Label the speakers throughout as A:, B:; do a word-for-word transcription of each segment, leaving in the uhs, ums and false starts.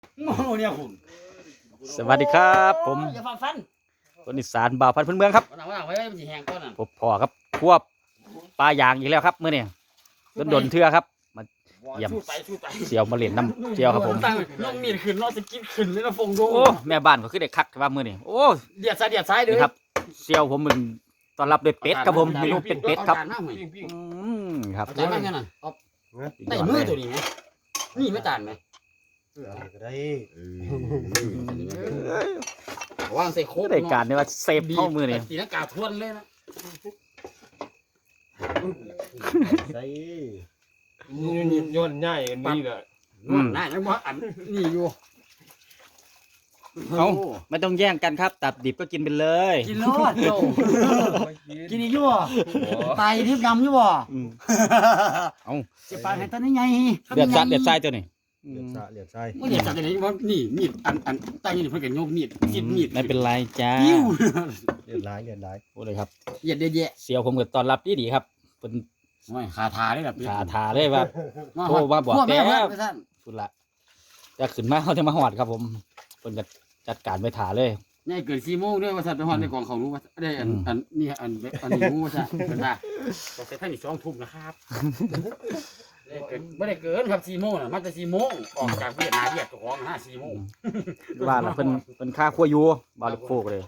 A: โอ้เนี่ยคุณ
B: สวัสดีครับผม
A: อย่าฟันฟัน
B: คนอีสานบ่าวพันธุ์พื้นเมืองครับ
A: วันหลังวันหลังไว้มันจะแห้งก้อนน่ะ
B: พบพ่อครับควบปลายางอีกแล้วครับเมื่อนี้ดนดนๆเทื่อครับมา เยี่ยม
A: สู้ไปสู้ไป
B: เสียวมาเล่นน้ำเจียวครับผม
A: ตั้งน้องมีดขึ้นน้องจะกินขึ้นเลยนะฟงดู
B: โอ้แม่บ้านก็คือได้คักว่ามื่อนี้โอ้
A: เดียดซ้ายเดียดซ้ายเด้อ
B: นี่ครับเสียวผมมันต้อนรับด้วยเป็ดครับผมเมนูเป็ดเป็ดครับ
A: อาจานมากไหม
B: อืมครับ
A: เอาจานมากแค่นั้นเอาได้มือตัวนี้ไหมนี่ไม่จานไหม
C: ก็ได้
A: วางใส่โค้ก
B: ได้การเนี่ยว่าเซฟเข้ามือนี่
A: ตีนักกาทวนเลยนะ
C: ใส่
D: นี่ย้อนง่ายอันนี้แหละ
A: น่าจะว่าอันนี่อยู่
B: เอาไม่ต้องแย่งกันครับตับดิบก็กินไปเลย
A: กินโลดโจกินอีกอยู่บ่ไตทิพย์ดำอยู่บ่
B: อืมเอา
A: จะปาให้ตอนนี้ไง
B: เดือดซัดเดือดทรายตัวนี้
C: เหลียดซะเหลียดใส่
A: ไม่เดือดจัดเลยว่านี่มีดอันอันใต้นี่เพิ่นก็โยกมีดกินมีด
B: ไม่เป็นไรจ้า
A: ปิ้ว
C: เหลียดหลายเหลียดหลาย
B: โอ้เลยครับ
A: เหยียดเยอะ
B: เสียวผมก็ต้อนรับดีดีๆครับเป็น
A: ๆโอ้ยขาทาได้แบบ
B: ขาถาเลยว่า โทรมาบอกแก
A: แก
B: สุดละจะขึ้นมาเขาจะมาหอดครับผมเพิ่นจะจัดการไปถาเลย
A: นี่เกิดสี่โมงด้วยว่าสัตว์ไปหอดในกองเขารู้ว่าได้อัน
B: อืม
A: อันนี่อันอันนี้รู้ว่าสัตว์เป็นว่าแต่ท่านนี่สองทุ่มนะครับได้เกิดไม่ได้เกินครับสี่โมงน่ะมันจะสี่โมงออกจากเวียดนามเวียดของห้าสี่โมง
B: ว่าน่ะเพิ่นเพิ่นค่าขั้วอยูบาลูกโฟกเลย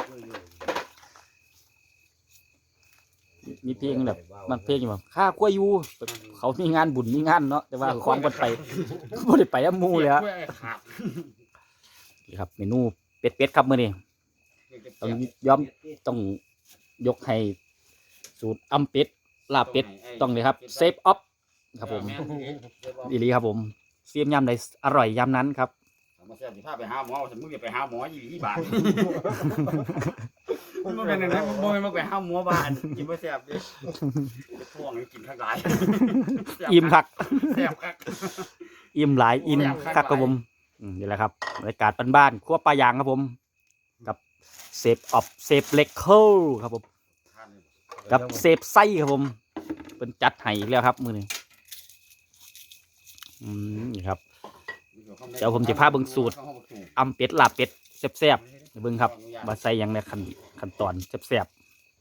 B: มีเพลงแบบมันเพลงอยู่แบบค่าขั้วอยูเขามีงานบุญมีงานเนาะแต่ว่าของบ่ไปบ่ได้ไปกับหมู่เลยฮะ
A: เสียกล้วยขาด
B: นี่ครับเมนูเป็ดๆครับมื้อนี้ต้องยอมต้องยกให้สูตรอำเป็ดลาบเป็ดต้องเลยครับเซฟออฟครับผมอีหลีครับผมเสียมยำใดอร่อยยำนั้นครับ
A: มาเสียสิพาไปหาหมอสมมติจะไปหาหมอยี่ยี่บาทมันเป็นอย่างนั้นมันบ่มาไปหาหมอบ้านกินบ่แซ่บดิช่วงนี้กินข้างหลาย
B: อิ่มคัก
A: แซ่บคัก
B: อิ่มหลายอิ่ม
A: แซ่บคัก
B: คักครับผมอืมนี่แหละครับบรรยากาศบ้านๆครัวปลายางครับผม กับเซฟออฟเซฟเล็กเคิลครับผมกับเซฟไส้ครับผมเป็นจัดให้อีกแล้วครับมือนี้อืมนี่ครับ เดี๋ยวผมจะพาเบิ่งสูตร อำเป็ดลาบเป็ดแซ่บๆให้เบิ่งครับว่าใส่หยังในขั้นขั้นตอนแซ่บ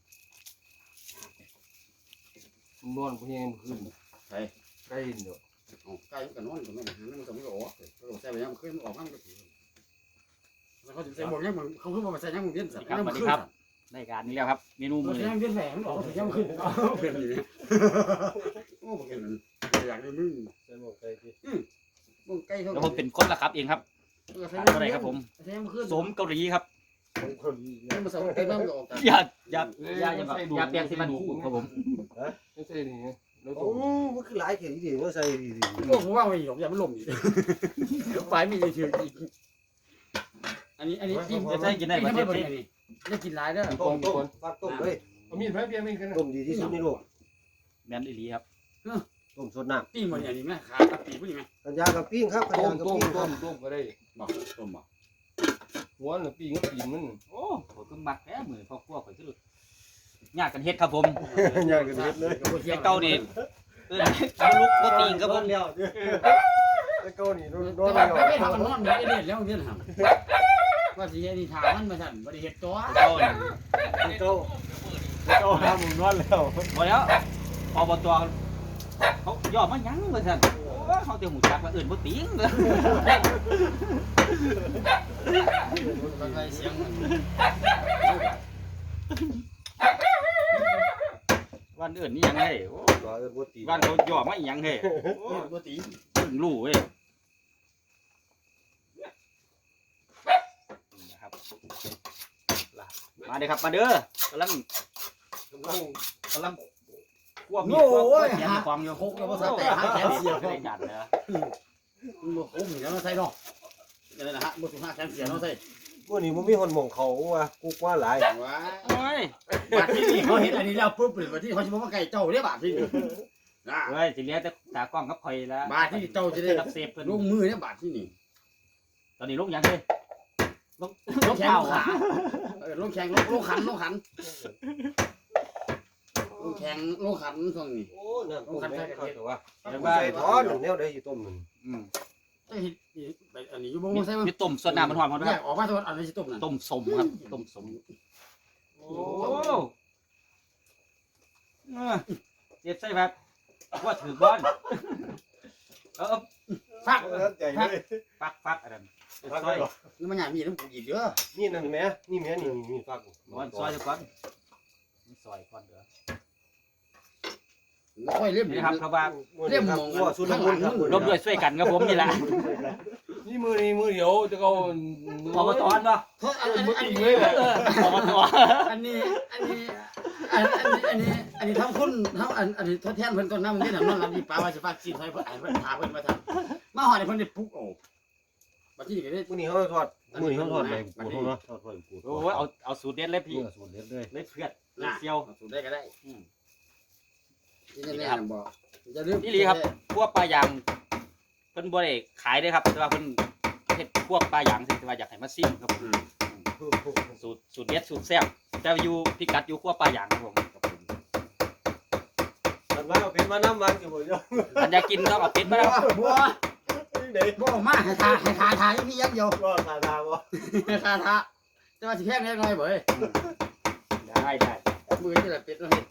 D: นอนเพียงขึ้น
A: ใช่
D: ใกล้เดี๋ยว
A: ใกล้กันนอนกันไม่ได้มันก็ไม่ออกใส่ไปยังขึ้นออกมันก็ถือแล้วเขาจะใส่หมดยังมึงเขาขึ้นมาใส่ยังมึงเวียนสัตว์
B: ๆครับสวัสดีครับในการนี้แล้วครับเมนู
A: มึ
B: มื้
A: ง
B: อนี้
A: ยังเวียนแหวนออกยังขึ้นเปลี่ยนอย่างนี้โอ้เปลี่ยนอย่างนี้มึง
C: ใส่หมวกใส่ที่
A: มึงใกล้เขา
B: แล้วผมเป็นคนละครับเองครับขาดอะไรครับผม
A: ใส่ยังขึ้น
B: สมเกาหลีครับ
C: ของคน
A: ยังมาใส่ใกล้บ้านก็ออกจาก
B: อย่าอย่าอย่าอย่าแบบอย่าเปลี่ยนสิมันคู่ครับผม
D: ไม่ใช่นี่แล้ว
C: โอ้มันคือหลายเข็มดีมันใส่ดีดี
A: โอ้ผมว่าไม่หยอกอย่ามันล่มอีกฝ่ายมีเฉยอีกอันนี้อันนี้กิน
B: จะใช้กินได้
A: ได้
B: ป
A: ประ
B: ระ
A: เท
B: เท
A: ศ
B: ศ
A: นี้ได้กินหลายเด้อ
C: ต้มต้มฟักต้มเลย
D: เอามีดไม้เพียงไม่กัน
C: ต้มดีที่สุดในโลก
B: แม่นอีหลีครับ
C: ต้มสดน้
A: ปิ้งมันอย่างนี้ไหมขาตะปีพวกนี้ไหม
C: ำกันยากับปิ้งครับกัน
D: ต้
C: ยาม กับ
D: ต้ม
C: ปิ้งค
D: ต้
C: รับ
D: มต้มก็ได้
A: บอกต้มบอก
D: หัวน่ะปีกับปีมัน
B: โอ้โหเพิ่งมักแท้มือพ่อครัวข่อยคือญาติกันเฮ็ดครับผม
C: ยากันเฮ็ดเลย
B: ไอ้เก่านี่เออเอาลุกก็ตีงครับผม
C: แล้วไอ้เก้านี่โดนโดน
A: แต่
C: แล้ว
A: ว่าไม่ทำมันนอนมีไอเด็ดแล้วเดี๋ยวทำว่าสิไอ้นี่ถามมันมาสั่นบริเหตุตัว
B: ไอ้เก่านี่
C: ไอ้เก้าไอ้เก้าทำมึงนอนแล้ว
B: พอแล้วอบตเขาย่อมาหยังว่าซั่นโอ้เขาเตียวหมูจักว่าอื่นบ่ติงเลย
A: เสียง
B: วันอื่นนี่ยังเฮ้โอ้
C: ร้อยเอิ้นบ่ตี
B: วันเขาย่อมาอีหยังเฮ้โอ้
A: ปกติ
B: เพิ่งรู้เว้ยนะครับมาเด้อครับมาเด้อกำลังกำลังกำลังควบมีดควบควบแขนความอยู่
A: โคกแล้วภาษาแต่หาแขนเสีย
B: ไม่ได้จัดเลย
A: มันบอกโอ้ยแล้วมาใส่เนาะนี่นะฮะบ่ถูกหาแขนเสียเนาะใส่
C: พวกนี้มันมีคนมองเขาว่ากูกว่าหลาย
A: ว้า
B: โอ้ย
A: บาทที่นี่เขาเห็นอันนี้แล้วปุ๊บเป็นบาทที่เขาจะบอกว่าไก่เจ้าเนี่ยบาทที่นี่นะ
B: เฮ้ยสิเหลียแต่ตากล้องกับข่อยแล้ว
A: บาทที่เจ้าจะได้
B: รับเซฟเพิ่น
A: ลงมือเนี่ยบาทที่นี่
B: ตอนนี้ลงยังเลยลง
A: ล
B: ล
A: ง
B: ง
A: แข่ง
B: เท้า
A: ลงขาเออลงแข่งลงลงขันลงขันลงแข่งลงขันช่วงนี้
C: โอ้น้ำต้มแม่งเขาแต่ว่า
B: เดี๋ยว
C: ว่า
B: ว่า
C: ใส่ท้อนแนวใดอยู่ต้มนึง
B: อืม
A: เอ้ยอันนี้อยู่บ่บ่ใส่บ่
B: มีต้มส่วนน้ำมันหอมครับ
A: แยกออกมาตัวอันนี้สิต้มนั่น
B: ต้มสมครับต้มสมโอ้เออเจ็บใส่แบบว่าถือบอลเออ
A: ฟัก
C: ใจเลย
B: ฟักฟักอะไรซอย
A: นี่มันหยามีน้ำปูอีกเด้อ
C: นี่นั่นแม่นี่แม่นี่นี่ฟัก
B: บอลซอยก่อนซอยก่อนเด้อ
A: ค่อยเล่ม
B: นี่ครับครับว่า
A: เล่มมอง
C: ว่าสุดละมุนครับ
B: ร่วมด้วยช่วยกันครับผมนี่แหละ
D: นี่มือนี่มือเดียวจะเอา
B: อบตอนป่ะ
A: เพราะอันนี้อัน
D: อีก
A: นี้
D: เลยแหละ
B: อบต
A: อันนี้อันนี้อันนี้อันนี้อันนี้ทำคุณทำอันอันนี้ทดแทนเพิ่นก่อนนะมันที่นั่นนอนรับดีปลาว่าสิฝากสิให้เพิ่นให้เพิ่นพาเพิ่นมาทำมาหอดให้เพิ่นได้ปลุกโอ้บัดนี้ก็ได้
C: มื้อนี้เขาทอดมื้อนี้เขาทอดไปปูเนาะทอดไปปู
B: โอ้เอาเอาสูตรเด็ดเลยพี่
C: สูตรเด็ดเลย
B: เลยเพื่อนเลยเซียว
A: สูตรได้ก็ได้
B: อืม
A: นี่แน่ๆบอกอย่าลืม
B: นี่ลีครับพวกปลายางเพิ่นบ่ได้ขายเด้อครับแต่ว่าเพิ่นเฮ็ดพวกปลายางสิแต่ว่าอยากให้มาซิมครับผมสูตรสูตรเด็ดสูตรแซ่บแต่อยู่พิกัดอยู่ขั้วปลายางครับผม
C: มันว่าเอาเป็นมาน้ำมันกับผมเนาะ
B: อันอยากกินต้องเอาเป็ดมาแล้ว
A: บัว
C: นี่เด็ก
A: บัวมาให้ทาให้ทาทาอีกนี่ยักเดียว
C: ก็ตาตาบ่
A: ให้ทาทาแต่ว่าสิแพงเล็กน้อยบ่เอ้ย
B: ได้ได้
A: มือนี่แหละเป็ดเนาะเฮ็ด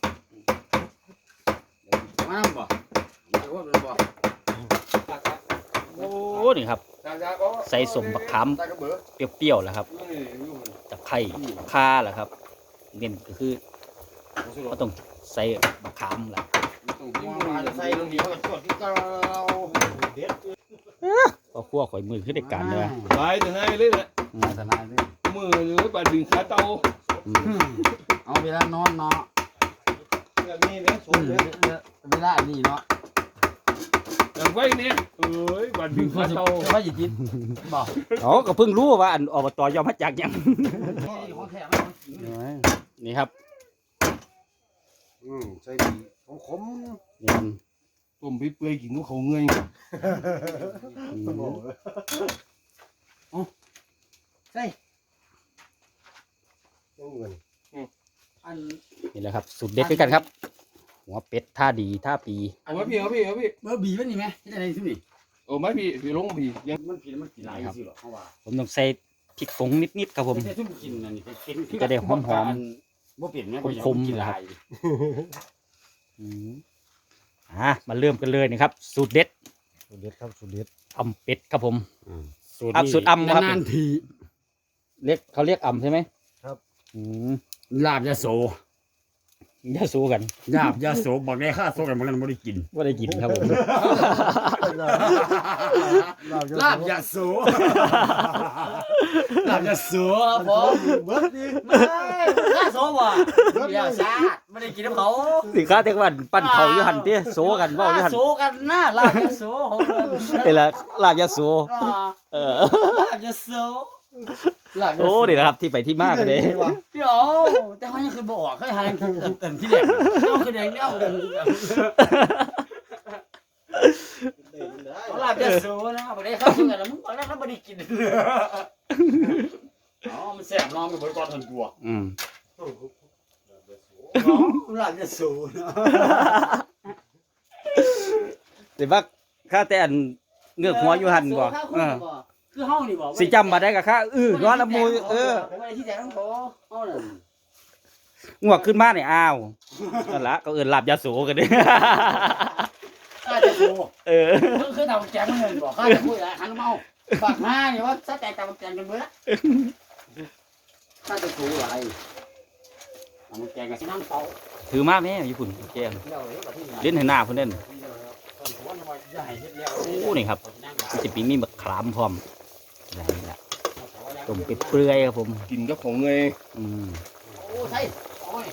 A: มานำบ่ไม่ว่ามันบ่
B: โอ้นี่ครับใส่สมบักขาม
A: ตากระเบือ
B: เปรี้ยวๆแล้วครับตะไคร้ข่าแหละครับเน้นก็คือก็ต้องใส่บักขามแหละ
A: มาจะใส่ลงนี่เขาก็สวดที่เก่า
C: เด็ด
B: พอคั่วข่อยมือขึ้นในการเลย
D: ไปถึงไงเลยแหละ
A: มาทนายเด้อ
D: มือหรือบัดดึงขาเตา
A: เอาเวลานอนเนาะ
C: แบบนี้เนี่ยสมเลย
A: เวลาอันนี้เนาะ
D: อย่างไว้เนี่ยเอ้ยบัดดึงขาเตา
A: ว่าสิกินบ่
B: อ๋อก็เพิ่งรู้ว่าอันอบตยอมมาจากหยัง
A: ของแท้มันของจริง
B: นี่ครับ
C: อืมใส่ดีขม
B: นี่มัน
D: ต้มไปเปื่อยกินกับเขาเงย
C: ๆบ่
A: ใส่
C: ต้องเงิน
A: อัน
B: นี่แหละครับสูตรเด็ดด้วยกันครับ หัวเป็ดท่าดีท่าปี
D: เอามาพี่เอาพี่เอาพี่
A: เบอร์บีมันนี่ไหมที่ไหนที่นี่
D: โอ้ไม่พี่พี่ลงพี่ยัง
A: มันผิดมันผิดหลายสิหรอเพราะว่า
B: ผมต้องใส่พริกผงนิดๆครับผม
A: ไม่ใช่ทุ่มกินอันนี้เป็น
B: จะได้หอม
A: บ่เปลี่ยนไหม
B: คมๆ
A: กินหลาย
B: อืมอ่ามาเริ่มกันเลยนะครับ สูตรเด็ด
C: สูตรเด็ดครับสูตรเด็ด
B: อำเป็ดครับผม
A: สูตร
B: ครับสูตรอำครับ
A: นานๆที
B: เรียกเขาเรียกอำใช่ไหม
C: ครับ
B: อืม
A: ลาบยาโส
B: อย่าสู้กัน
A: ลาบยาโสบอกได้ค่าโซกันมันบ่ได้กิน
B: ว่าได้กินครับผม
A: ลาบยาโสลาบยาโสครับผม
C: เบิดดิ
A: ไม่ค่าโซบ่ยาซาดไม่ได้กินน้ำเขา
B: สิค้าเทกวันปั้นเขาอยู่หันเตี้ยโซกันเว่าอยู่หัน
A: โซกันนะลาบยาโสของเรา
B: เป็นละลาบยาโซเออ
A: ลาบยาโสลาบยา
B: โอ้
A: โส
B: นี่นะครับที่ไปที่มากันเลย
A: เดี๋ยวแต่เขายังคือบอกเขาหาเต็มที่แรกเขาคือแดงเนี่ยลาบยาโสนะบ่ได้เข้าสู่กันแล้วมึงบอกแล้วเขาบ่ได้กินอ๋อมันแสบน้องไปบริกรทันกลัว
B: อืม
A: ลาบยาโสนะ
B: แต่ว่าข้าแต่อันเงือกหัวอยู่หันบ่เออ
A: คือเฮานี่บ่
B: สิจำมาได้กับข้าเออย้อนละมูเออ
A: บ่ได้ที่แท้ของเขาเฮานั่น
B: งวกขึ้นมาเนี่ยอ้าวนั่นละก็เอินลาบยาโสกันเด้
A: ข้าจะโส
B: เออ
A: คือคือทำแจงเงินบ่ข้าจะพูดอะไรหันเมาปากหน้านี่ว่าซะแต่ตำแจงกันเบิดข้าจะโสอะไรตำแจงกับสินั่งเฝ้า
B: ถือมาแม่ญี่ปุ่นแกง
A: เดี๋ยวเฮ็ดกับที่ไหน
B: เล่นให้หน้าเพิ่นเล่น
A: โอ้
B: นี่ครับ มันจะปีมีมะขามพร้อมอะไรนี่แหละต้มเป็ดเปลือยครับผม
D: กินกับเขาเงย
B: อืม
A: โอ้ใช่โอ้ย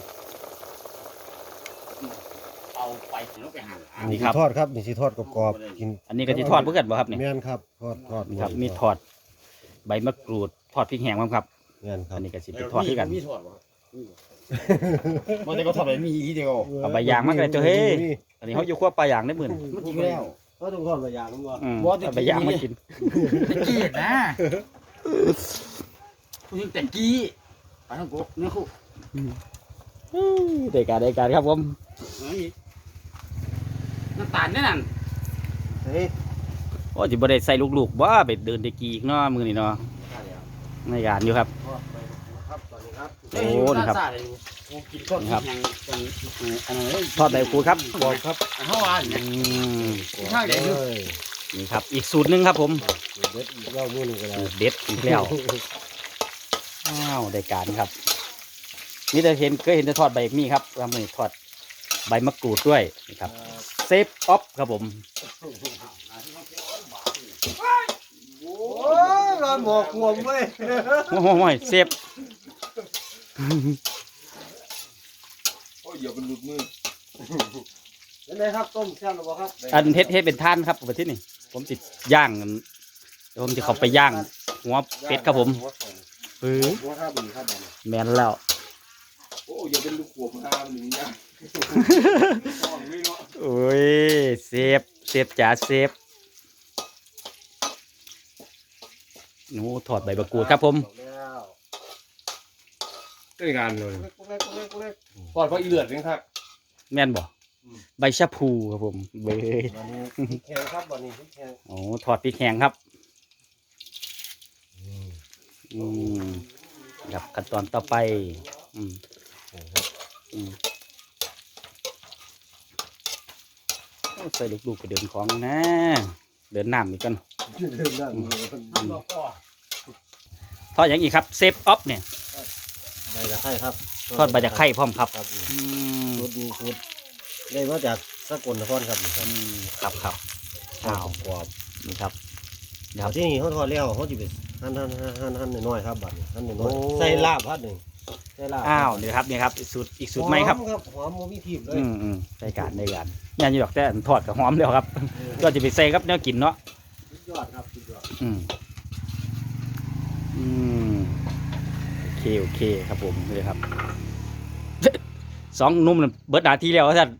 A: เอาไปถึงแล้วไปหั่น
C: นี่สิทอดครับนี่สิทอดกรอบๆกิน
B: อันนี้ก็จะทอดเพื่อกันบ่ครับนี่
C: แม่นครับทอดทอด
B: ครับมีทอดใบมะกรูดทอดพริกแห้งมั้งครับ
C: แม่นครั
B: อั
C: บ
B: นนี้ก็สิเป็นทอดด้วยกัน
A: มีทอดบ่มันแต่ก็ทอดแบบมีอีเดียว
B: เอาใบยางมาก็ได้เจ้าเฮ้ย อันนี้เขาอยู่ขั้วปลาย่างได้หมื่น
A: มันกินแล้ว
C: ก็ต้องทอดใบยางมันบ่
B: อืม
A: บ่ได้กิน
B: เอาใบยางมากิน
A: ตะกี้นะพูดถึงตะกี้ไปทางกูเนี่ยคู่
B: ได้การได้การครับผม
A: เฮ้ยน้ำตาลเนี่ยนั่น
C: เฮ้ย
B: โอ้จิบ่ได้ใส่ลูกๆว่าไปเดินตะกี้อีกเนาะมือนี่เนาะในการอยู่ครับ
C: ครับตอนนี้ครับ
B: โอ้นี่ครับ
A: กินข้าวกินยังเป็นอันนั้น
B: ทอดใบกูดครับ
C: บอกครับ
A: เฮาว่า
B: อื
A: เนี่ย
B: ม
A: ข้างเดียว
C: เลย
B: นี่ครับอีกสูตรหนึงครับผม
C: เด็ดอีกรอบนึงก็ได้
B: สูตรเด็ดอีกแล้วอ้าวได้การครับนี่จะเห็นเคยเห็นจะทอดใบมีครับทำมือทอดใบมะกรูดด้วยนี่ครับเซฟออฟครับผม
C: โอ้ยร้อนหมอกขวมเว้ย
B: โอ้โหเซฟ
D: โอ้ยอย่าเป็นหลุดมือ
C: เป็นไงครับต้มแซ่บหรือเปล่าครับ
B: อันเฮ็ดเฮ็ดเป็นท่านครับประเทศนี้ผมติดย่างกันเดี๋ยวผมจะเข้าไปย่างหัวเป็ดครับผมเออ
C: หัวข้าวบีครับผม
B: แมนแล้ว
D: โอ้ยอย่าเป็นลูกขวบห้ามหนึ่งอย่างท้องไม่เนาะ
B: โอ้ยเซฟเซฟจ๋าเซฟหนูถอดใบมะกรูดครับผม
C: แล้ว
D: ได้งานเลย
C: เล็กเล็กเล็กเล็ก
D: ก่อนเพราะอีเลือดนี่ครับ
B: แม่นบ่ใบชะพูครับผมเบย
C: วันนี้พริกแข็งครับวันนี้พริกแข็ง
B: โอ้ถอดพริกแห้งครับอืมครับขั้นตอนต่อไปอืมอืมโอ้ใส่ลูกๆไปเดินของนะ เดินน้ำอีกกัน
C: เริ่มนั่ง
B: ทอดอย่างอีกครับเซฟออฟเนี่ย
C: ใบตะไคร้ครับ
B: ทอดใบจากไข่พร้อมครับ
C: ครับ
B: อืม
C: สูตรดีสูตรได้มาจากสกลนครครับนี่ค
B: อื
C: รับ
B: มครับครับอ้าว
C: กรอบ
B: นี่ครับ
C: เดี๋ยวที่นี่เขาทอดแล้วเขาจะไปหั่นหั่นหั่นหั่นหั่นน้อยๆครับบัดนี้หั่นน้อย
B: โอ้
C: ๆใส่ลาบพัดหนึ่งใส่ลาบ
B: อ้าวนี่ครับนี่ครับอีกสูตรอีกสูตรไหมครับ
C: หอครับหอมโมมีทีบเลย
B: อืมอืมได้การได้การงานอยู่ดอกแต่อันทอดกับหอมแล้วครับ ก็จะไปใส่ครับแนวกินเนาะ
C: สุดยอดครับสุดยอด
B: อืมอืมโอเคโอเคครับผมเลยครับ สองหนุ่มนั่นเบิดหนาทีแล้วท่าน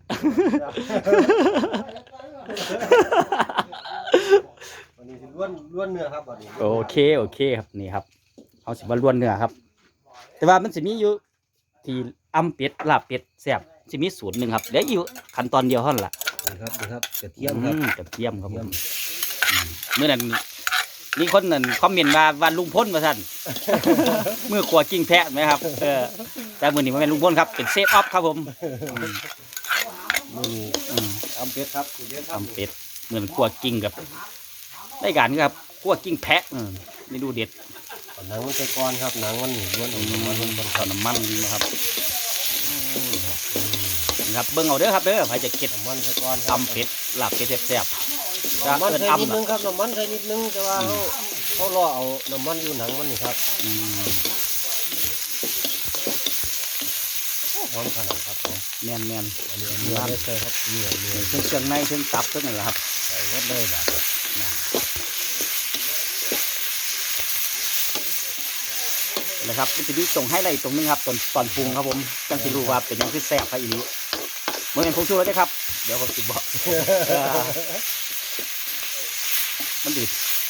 C: วันนี้สิล้วนล้วนเนื้อครับวันนี้
B: โอเคโอเคครับนี่ครับเอาสิมาล้วนเนื้อครับ แต่ว่ามันสิมีอยู่ที่อำเป็ดลาบเป็ดแซ่บสิมีสูตรหนึ่งครับเดี๋ยวอยู่ขั้นตอนเดียวเท่านั้นล่ะ
C: นี่ครับนี่ครับกระเทียมครับ
B: อืมกระเทียมครับผมอืมเมื่อนั้นมีคนนั่นคอมเมนต์ว่าวันลุงพ้นมาสั่น มือขวากิ้งแพะไหมครับเออแต่มือนี้มันเป็นลุงพ้นครับเป็นเซฟออฟครับผมอืม
C: มือนี้
B: อืม
C: อำเป็ดครับคุณเยอะครับ
B: ทำเป็ดเหมือนขวากิ้งกับได้การครับขวากิ้งแพะอืมเมนูเด็ด
C: เอาหนังมันใส่ก้อนครับหนังมันนี่ล้วนออกมามันมัน
B: ข้าวน้ำมันนะครับนี่ครับเบิ้งเอาเด้อครับเด้อใครจะเก็ด
C: น้ำมันใส่ก้อนครั
B: ตำเป็ดลาบเป็ดแซ่บๆจะ
C: น้ำมัน
B: เอิ้น
C: ใส่นิด
B: อำ
C: นึ
B: ล่ะ
C: งครับน้ำมันใส่นิดนึงแต่ว่าเขาเขาล่อเอาน้ำมันอยู่หนังมันนี่ครับ
B: อืม
C: หอมขนาดครับผม
B: แม่นแม่น
C: อันนี้เนื้อได้ใส่ครับเนื้อเนื้อ
B: เครื่องเครื่องในเครื่องตับเครื่องนั่นแหละครับ
C: ใส่หมดเลยแบบ
B: นะครับมันจะมีตรงให้อะไรตรงนึงครับตอนตอนปรุงครับผมจังสิรู้ว่าเป็นหยังคือแซ่บครับอีนี้เมื่อเป็นผงชูรสนะครับเดี๋ยวผมสิบอก มันดิ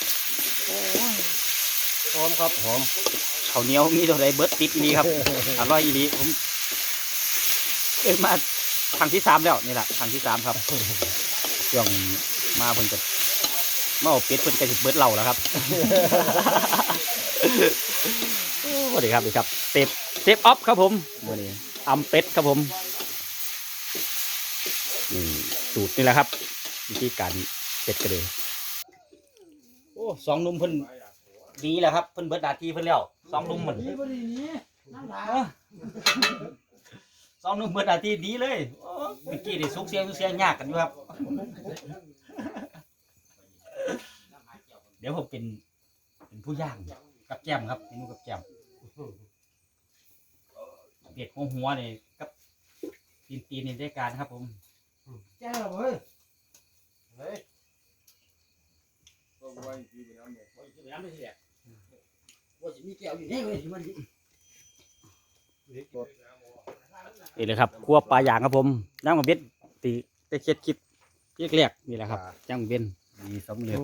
C: หอมครับหอม
B: ข้าวเหนียวมีตัวใดเบิร์ดติดอีนี้ครับอร่อยอีนี้ผมเอ้ยมาครั้งที่สามแล้วนี่แหละครั้งที่สามครับช่วงมาเพิ่นกับมาเอาเป็ดเพิ่นก็สิเบิร์ดเหล่าแล้วครับ สวัสดีครับสวัสดีครับเซฟเซฟออฟครับผมมื่อนี้อำเป็ดครับผมนี่สูตรนี่แหละครับวิธีการเป็ดกระเดยโอ้สองหนุ่มเพิ่นดีแล้วครับเพิ่นเบิดหน้าที่เพิ่นแล้วสองหนุ่มเหมือนสองหนุ่มเบิดหน้าที่ดีเลยโอ้เมื่อกี้นี่สุกเสียงสุกเสียงยากกันอยู่ครับ เดี๋ยวผมเป็นเป็นผู้ย่างกับแก้มครับเมนูกับแก้มเด็ดหัวหัวนี่กับตีนตีนนี่ได้การครับผม
C: แจ้งเฮ้ยเฮ้ย
D: ก็ไว้ที่ไปน้ำเนี่ย
A: น้ำไม่ใช่แหละว่าจะมีแก้วอยู่นี่เลยที่มัน
B: นี่เลยครับครัวปลาย่างครับผมย่างกับเบ็ดตีได้เช็ดคลิปเรียกๆนี่แหละครับย่างกับเบ็ด
C: ดีสำเร็จ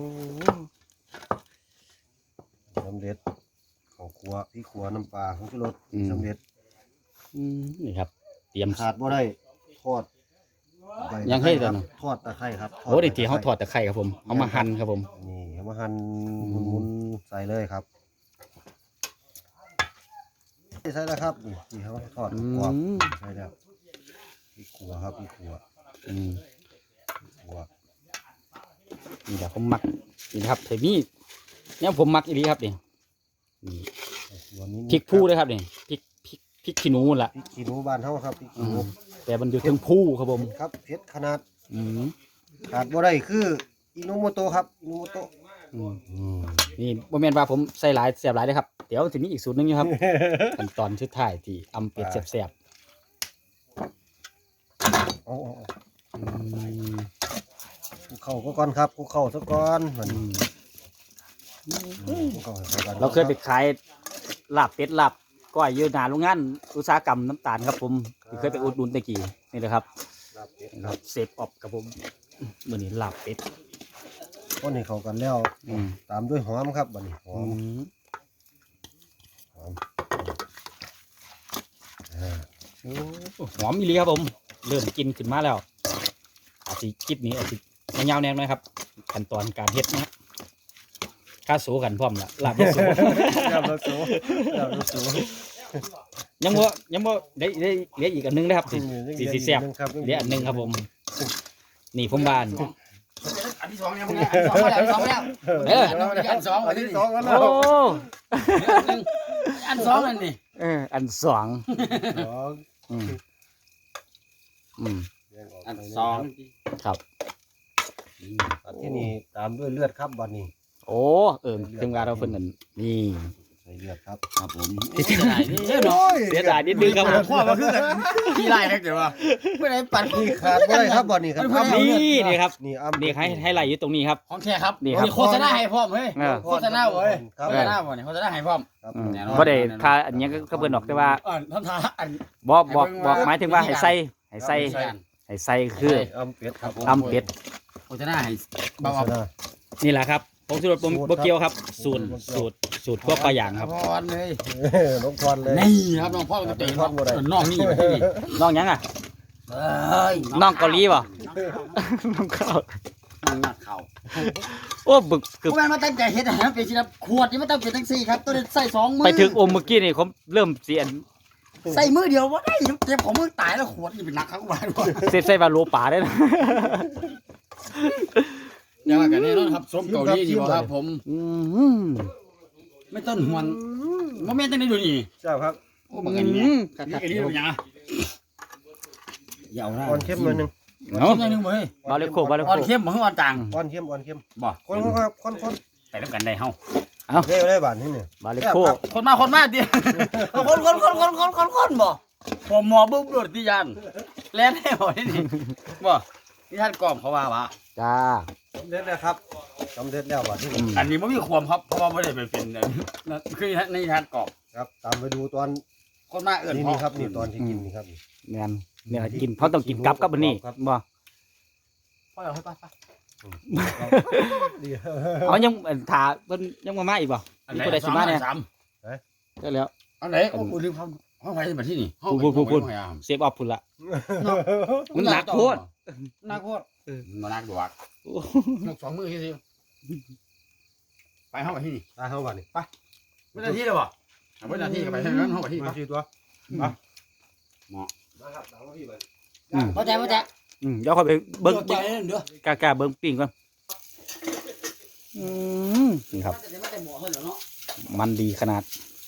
C: สำเร็จของครัวพี่ครัวน้ำปลาของชูรสสำเร็จ
B: อืมนี่ครับเตรียม
C: ขาดบ่ได้ทอดใบ
B: ยังให้
C: ค
B: แต่
C: รับ
B: เนาะ
C: ทอดตะไคร้ครับ
B: โอ้เดี๋ยวที่เขาถอดตะไคร้ครับผมเอามาหั่นครับผม
C: นี่เอามาหั่นหมุนๆใส่เลยครับใส่แล้วครับนี่ที่เขาทอด
B: อื
C: กรอบ
B: ม
C: ใส่แล้วพี่ขัวครับพี่ขัว
B: อืม
C: ขัว
B: นี่แหละผมมักนี่นะครับเทมี่เนี่ยผมมักอีดีครับนี่นี่
C: ขัวนี้
B: พริกผู้เลยครับนี่พริกพริกพริกขี้หนูล่ะ
C: พริกขี้หนูบ้านเฮาครับพริกขี้หนู
B: แต่มันอยู่ถึงผู้ครับผม
C: ครับเผ็ดขนาด
B: อืม
C: ขาดบ่ได้คืออินุโมโตะครับอินุโมโตะ
B: อืม
C: อืม
B: นี่บ่แม่นว่าผมใส่หลายเสียบหลายเลยครับเดี๋ยวจะมีอีกสูตรหนึงอยู่ครับ ขั้นตอนสุดท้ายที่อำเป็ดแซ่บ
C: เอาเอาเอา
B: ๆอืม
C: คลุกเข้าก็ก่อนครับคลุกเข้าซะก่อนมัน
B: อืม
C: คลุกเข้าให้เข้ากัน
B: เราเคยไปขายลาบเป็ดลาบก้อยอยู่หน้าโรงงานอุตสาหกรรมน้ำตาลครับผมเคยไปอุดหนุนตะกี้นี่แหละครับ
C: ลาบเป็ด
B: นี่
C: ค
B: ค
C: รั
B: รั
C: บบ
B: เซฟออฟครับผมมื้อนี้ลาบเป็ด
C: คนให้เข้ากันแล้ว
B: อืม
C: ตามด้วยหอมครับบัดนี้หอ
B: อื
C: ม
B: ม
C: หอมอ่า
B: โอ้หอมอีหลีครับผม เริ่มกินขึ้นมาแล้ว อาจสิคลิปนี้อาจสิยาวๆแน่หน่อยครับขั้นตอนการเฮ็ดนะครับข้าสูกันพร้อมละลาบยาสู
C: ยำรสสูยำรสสู
B: ยังบ่ยังบ่ได้ได้เหลืออีกอันหนึงนะครับสิสิสิแซ่บ
C: ครับ
B: เหลืออันหนึงครับผม นี่ผมบ้าน
A: อันที่สองยังไม่ได้อันที่สองมาแล้วอันที่สองมาแล้ว
B: เออ
A: อันที่สอง
C: อั
A: อั
C: น
A: น
C: ที่
A: ที่
C: ส
A: ส
C: อ
A: อง ง
C: แล้ว
B: โอ้
A: อันสองอันนี่
B: เอออันสอง
C: สอง
B: อืมอืม
A: อันสอง
B: ครับ
C: อันที่นี่ตามด้วยเลือดครับบัดนี้
B: โอ้เออถึงเวลาเราเพิ่นนั่นนี่
C: ใส่เลือดครับ
A: ครับผมเสียดายนี่เนาะ
B: เสียดายนิดนึงครับผม
A: ข้อมาคือกันขี้ไล่ครับเดี๋ยวว่าไม่ได้ปัด
C: นี่ขาดบ่ได้ครับบัดนี้ครับ
B: นี่นี่ครับ
C: นี่อ้ำ
B: นี่ให้ให้ไหลอยู่ตรงนี้ครับ
A: ของแท้ครับ
B: นี่ครับ
A: โฆษณาให้พร้อมเฮ้ย
B: เออ
A: โฆษณาเว้ย
C: ครับ
A: โฆษณาบ่เนี่ยโฆษณาให้พร้อม
C: ครับ
B: อืม
A: แน่นอน
B: บ่ได้ค่าอันนี้ก็ก็เพิ่นบอกแต่ว่า
A: อ่าท่านทาอัน
B: บอกบอกบอกหมายถึงว่าให้ใส่ให้ใส่ให้ใส่คือ
C: อ้ำเป็ดครับผม
B: ตำเป็ด
A: โฆษณาให้เบา
C: โฆษณา
B: นี่แหละครับผมสูตรผม
C: สูตร
B: บ่เกี่ยวครับ
C: ครับ
B: สูตร
C: สูตร
B: สูตรสูตรพวกปลาอย่างครับ
A: พรเลย
C: เออน้องพรเลย
A: นี่ครับน้องพ่อก็เตะ
C: น้องพ่อบ่ได้
A: น้องนี่มาที่นี่
B: น้องหยังอ่ะ
A: เอ้ย
B: น้องเกาหลีบ่ น้องข้าว
A: น้องหนักเข่า
B: โอ้บึกคือ
A: ผู้แม่นมาตั้งใจเฮ็ดอาหารเป็นสิครับขวดนี่มันต้องเป็นจังซี่ครับต้องได้ใส่สองมือ
B: ไปถึงอมเมื่อกี้นี่ผมเริ่มเสียน
A: ใส่มือเดียวบ่ได้เจ็บของมือตายแล้วขวดนี่เป็นหนักครับว่าด้วย
B: เสร็จใส่บาโลป่าได้นะ
A: อย่างว่ากันแน่นอนครับส้มเกาหลีนี่บ่ครับผม
B: อืม
A: ไม่ต้นหวนบ่แม่นจังได๋ดูนี่
C: เจ้าครับ
A: โอ้บักอันนี้
B: อืม
A: นี่อันนี้เป็นหยังอย่าเอาหน้า
C: อ่อนเข้มหน่อยหนึง
B: เนาะ
A: เข้มหน่อยหนึงเว้ย
B: บาเลโคบาเล
A: อ่
B: โค
A: อนเข้มบ่คืออ่อนต่าง
C: อ่อนเข้มอ่อนเข้ม
A: บ่
C: คนคนครับคนคน
A: ไปนำกันได้เฮา
C: เร็วได้บาทนี่เนี่ย
B: บาเลโค
A: คนมาคนมาติคนคนคนคนคนคนคนบ่ผมหมอบึ้มโดดที่ยันแล่นให้บ่นี่บ่ที่ท่านกล่อมเขาว่าว่า
B: จ้า
C: สำเร็จแล้วครับสำเร็จแล้วบาทนี่
B: อืม
A: อันนี้บ่มีความครับเพราะว่าบ่ได้ไปเป็นนั่นคือในท่านกล่อม
C: ครับตามไปดูตอน
A: คนมาเอิ้น
C: นี่
A: พ่อ
C: นี่ครับนี่ตอนที่กินนี่ครับ
B: แม่นเนี่ยกินเขาต้องกินกับกับอันนี้
C: ครับ
B: บ่
A: พ่อเอาให้ไปไป
C: ดี
B: เอายังเอิ่นถาเพิ่นยังมามาอีกบ่มีผู้ใดสิมาเนี่ย
A: สาม
B: ได้แล้ว
A: อันไหนโอ้โหลืมครับห้องไฟมาที่นี่ห้อง
B: พูดพูดพูด
A: ห้องไฟอ่ะ
B: เซฟออฟพุ่นละ มันหนักโพด
A: หนักโคตรมันหนักดวกหนักสองมือที่สิไปห้องไปที่นี่
C: ตาเข้าบาทนี่
A: ไม่ได้ที่เลยบ่ไม่ได้ที่ก็ไปที่นั้นห้องไปที่
C: มา
A: ไป
C: สี่ตัว
A: มา
C: นะครับตามมาพี่ไป
B: อืม
A: เข้าใจเข้าใจ
B: อืมเดี๋ยวค่อยไปเบิ่ง
A: เข้าใจเด้อก
B: ล้าๆเบิ่งปิ้งก่อนอืมนี่ครับ
A: ไม่ได้หมอเฮ้ยเนาะ
B: มันดีขนาด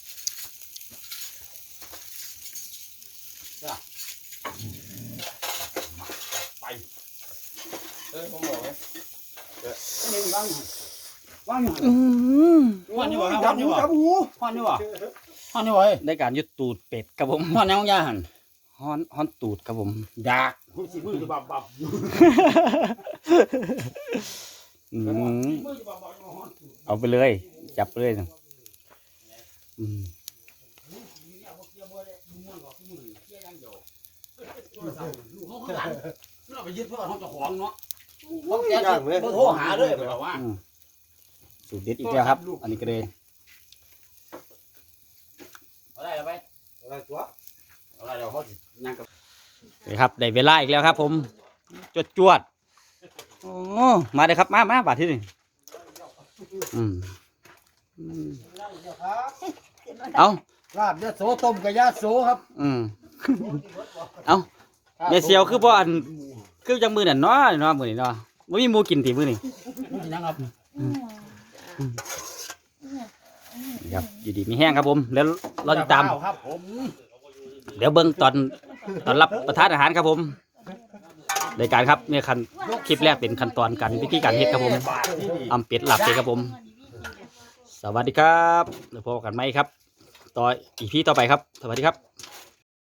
A: ไป
D: เออผมบอกไง
A: นี่ว่างว่างอยู่
B: อืม
A: ห้อนอยู่บ่ห้อนอยู่บ่
C: จับหู
A: ห้อนอยู่บ่ห้อนอยู่บ่เฮ้ย
B: ได้การยึดตูดเป็ดครับผม
A: ห้อนยังยาหัน
B: ฮ้อนฮ้อนตูดครับผม
A: ดากคุณสิมือจะบับบับ
B: อืม
A: มือจะบับบับห้อน
B: เอาไปเลย จับไปเลยนะอืม
A: ลูกเขาข้างหลังเราไปยึดเพื่อเขาจะของเนาะเขาแกจะโทรหาเลยแบบว่า
B: อืมสูตรเด็ดอีกแล้วครับ อันนี้ก็เลย
A: เอาได้แล้วไป
C: อะไรตัว
A: เอาได้แล้วเขาสินั่งกับ
B: นี่ครับได้เวลาอีกแล้วครับ ผมจวดจวดโอ้มาเลยครับมามาบาดที่นี่อืมอืมเอา
A: ลาบยะโสต้มกับยะโสครับ
B: อืมเอาเดี๋ยวเสียวคือบ่อันคือจังมือนั่นเนาะเนาะมื้อนี้เนาะบ่มีหมูกินติมื้อนี้
A: นี่นะครับ
B: นี่ครับอยู่ดีมีแห้งครับผมแล้วรอติดตาม
A: ครับผม
B: เดี๋ยวเบิ่งตอนตอนรับประทานอาหารครับผมรายการครับเนี่ยคันคลิปแรกเป็นขั้นตอนการวิธีการเฮ็ดครับผมอำเป็ดลาบเป็ดครับผม สวัสดีครับแล้วพบกันไหมครับต่ออีพีต่อไปครับสวัสดีครับ